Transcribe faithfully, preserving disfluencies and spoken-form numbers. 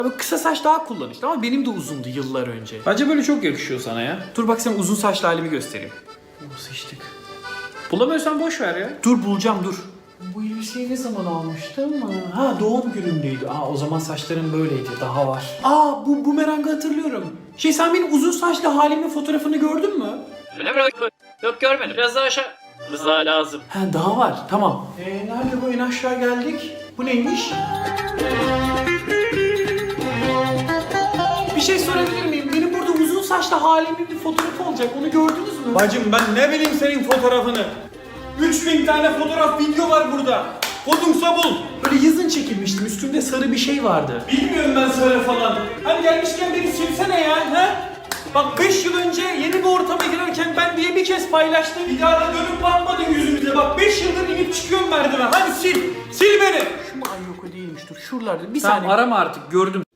Abi kısa saç daha kullanışlı ama benim de uzundu yıllar önce. Bence böyle çok yakışıyor sana ya. Dur bak sana uzun saçlı halimi göstereyim. Oh, sıçtık. Bulamıyorsan boş ver ya. Dur bulacağım dur. Bu elbiseyi ne zaman almıştım? Ha doğum günümdeydi. Aa o zaman saçlarım böyleydi. Daha var. Aa bu bumerangı hatırlıyorum. Şey sen benim uzun saçlı halimin fotoğrafını gördün mü? Öyle mi? Yok görmedim. Biraz daha aşağı. Biraz daha lazım. Ha daha var. Tamam. Ee, nerede bu en aşağı geldik? Bu neymiş? Bir şey sorabilir miyim? Benim burada uzun saçlı halimin bir fotoğrafı olacak. Onu gördünüz mü? Bacım ben ne bileyim senin fotoğrafını. üç bin tane fotoğraf video var burada. Kodumsa bul. Böyle yazın çekilmiştim. Üstümde sarı bir şey vardı. Bilmiyorum ben söyle falan. Hani gelmişken beni silsene ya. He? Bak beş yıl önce yeni bir ortama girerken ben diye bir kez paylaştım. Bir daha da dönüp bakmadın yüzümüze. Bak beş yıldır inip çıkıyorum merdiven. Hadi sil. Sil beni. Şu mu? Ay yok o değilmiş. Dur şuralarda. Bir Tamam saniye. arama artık gördüm.